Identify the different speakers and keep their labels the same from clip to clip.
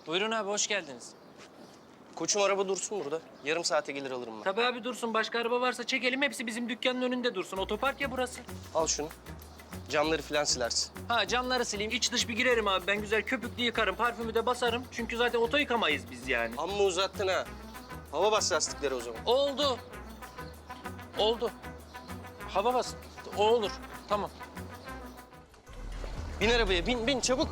Speaker 1: Buyurun abi, hoş geldiniz.
Speaker 2: Koçum araba dursun burada. Yarım saate gelir alırım ben.
Speaker 1: Tabii abi dursun. Başka araba varsa çekelim. Hepsi bizim dükkanın önünde dursun. Otopark ya burası.
Speaker 2: Al şunu. Camları falan silersin.
Speaker 1: Ha, camları sileyim. İç dış bir girerim abi. Ben güzel köpüklü yıkarım. Parfümü de basarım. Çünkü zaten oto yıkamayız biz yani.
Speaker 2: Amma uzattın ha. Hava bas lastikleri o zaman.
Speaker 1: Oldu. Oldu. Hava bas. O olur. Tamam.
Speaker 2: Bin arabaya, bin çabuk.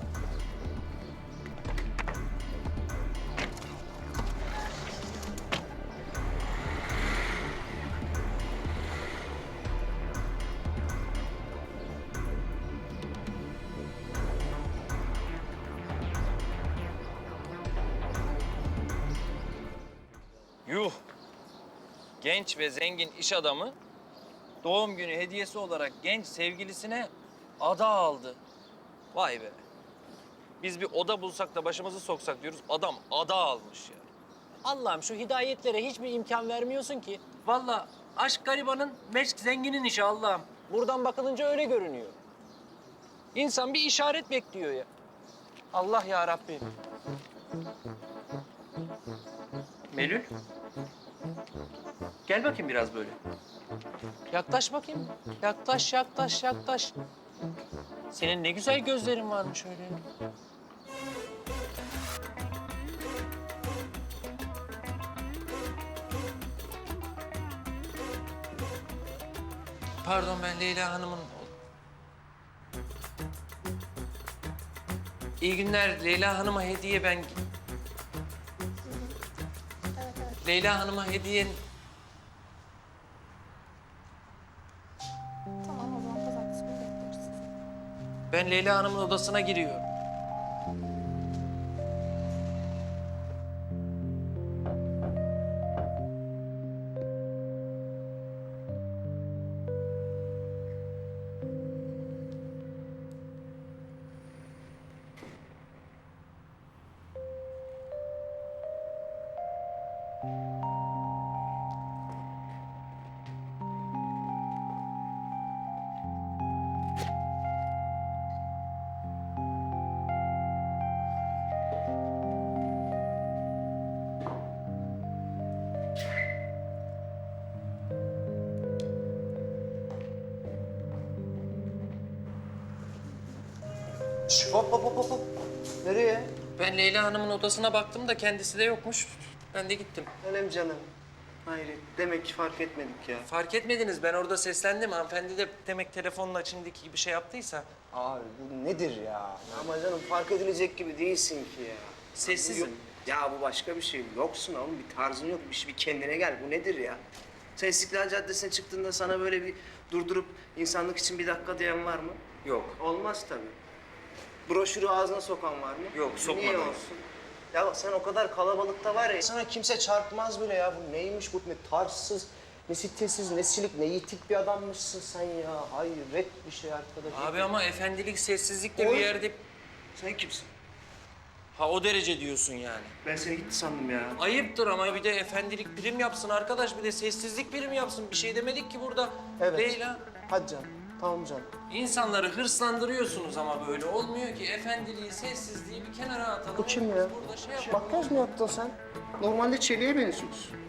Speaker 1: Yuh. Genç ve zengin iş adamı doğum günü hediyesi olarak genç sevgilisine ada aldı. Vay be. Biz bir oda bulsak da başımızı soksak diyoruz. Adam ada almış ya. Allah'ım şu hidayetlere hiçbir imkan vermiyorsun ki. Vallahi aşk garibanın, meşk zenginin işi Allah'ım. Buradan bakılınca öyle görünüyor. İnsan bir işaret bekliyor ya. Allah ya Rabbim. Melül. Gel bakayım biraz böyle. Yaklaş bakayım. Yaklaş, yaklaş, yaklaş. Senin ne güzel gözlerin varmış öyle. Pardon, ben Leyla Hanım'ın... İyi günler. Leyla Hanım'a hediye ben... Leyla Hanım'a hediye...
Speaker 3: Tamam, o zaman pazartesi günü bekliyoruz sizi.
Speaker 1: Ben Leyla Hanım'ın odasına giriyorum.
Speaker 2: Şş, hop hop hop hop. Nereye?
Speaker 1: Ben Leyla Hanım'ın odasına baktım da kendisi de yokmuş. Ben de gittim.
Speaker 2: Önem canım. Hayret. Demek ki fark etmedik ya.
Speaker 1: Fark etmediniz. Ben orada seslendim. Hanımefendi de demek telefonla içindeki gibi şey yaptıysa.
Speaker 2: Abi bu nedir ya? Ama canım fark edilecek gibi değilsin ki ya.
Speaker 1: Sessizim.
Speaker 2: Ya bu başka bir şey. Yoksun oğlum. Bir tarzın yok. Bir kendine gel. Bu nedir ya? Sen İstiklal Caddesi'ne çıktığında sana böyle bir durdurup insanlık için bir dakika diyen var mı?
Speaker 1: Yok.
Speaker 2: Olmaz tabii. Broşürü ağzına sokan var mı?
Speaker 1: Yok, sokmadım.
Speaker 2: Niye olsun? Ya sen o kadar kalabalıkta var ya, sana kimse çarpmaz bile ya. Bu neymiş bu? Ne tarzsız, ne sitesiz, ne silik, ne yitik bir adammışsın sen ya. Hayret bir şey arkadaş.
Speaker 1: Abi ama efendilik, sessizlik de bir
Speaker 2: Oy.
Speaker 1: yerde...
Speaker 2: Sen kimsin?
Speaker 1: Ha, o derece diyorsun yani.
Speaker 2: Ben seni gitti sandım ya.
Speaker 1: Ayıptır ama bir de efendilik prim yapsın arkadaş. Bir de sessizlik prim yapsın. Bir şey demedik ki burada.
Speaker 2: Evet.
Speaker 1: Leyla.
Speaker 2: Hadi canım. Tamam canım.
Speaker 1: İnsanları hırslandırıyorsunuz ama böyle olmuyor ki. Efendiliği, sessizliği bir kenara atalım.
Speaker 2: Bu kim ya?
Speaker 1: Biz burada şey yapalım.
Speaker 2: Makyaj mı yaptın sen? Normalde çeliğe benziyorsun.